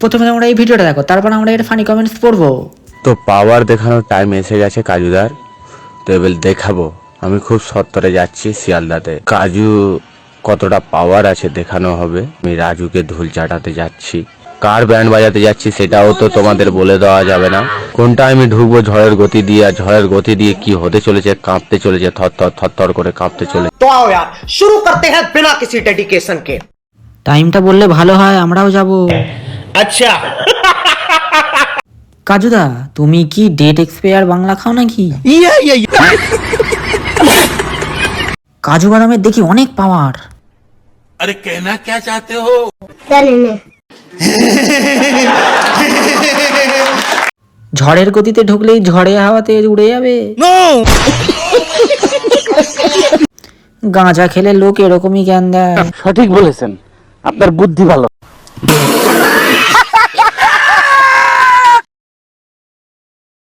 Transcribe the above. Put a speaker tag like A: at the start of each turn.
A: প্রথমে তোমরা এই ভিডিওটা দেখো, তারপর আমরা এর ফানি কমেন্টস পড়বো।
B: তো পাওয়ার দেখানোর টাইম এসে গেছে কাজুদার। তো এবার দেখাবো আমি খুব সত্তরে যাচ্ছি শিয়ালদাতে। কাজু কতটা পাওয়ার আছে দেখানো হবে। আমি রাজুকে ঢোল চাটাতে যাচ্ছি, কার ব্যান্ড বাজাতে যাচ্ছি সেটাও তো তোমাদের বলে দেওয়া যাবে না। কোনটা আমি ঢুকবো ঝড়ের গতি দিয়ে, আর ঝড়ের গতি দিয়ে কি হতে চলেছে, কাঁপতে চলেছে, থর করে কাঁপতে চলেছে।
C: तो आओ यार शुरू करते हैं बिना किसी डेडिकेशन के।
A: টাইমটা বললে ভালো হয়, আমরাও যাব।
C: अच्छा
A: কাজুদা, তুমি কি ডেট এক্সপায়ার বাংলা খাও নাকি? কাজু বাদামের দেখি অনেক পাওয়ার।
D: अरे कहना क्या चाहते हो?
A: ঝড়ের গতিতে ঢুকলেই ঝড়ে হাওয়াতে উড়ে যাবে। গাঁজা খেলে লোক এরকমই জ্ঞান দেয়।
E: সঠিক বলেছেন, আপনার বুদ্ধি ভালো।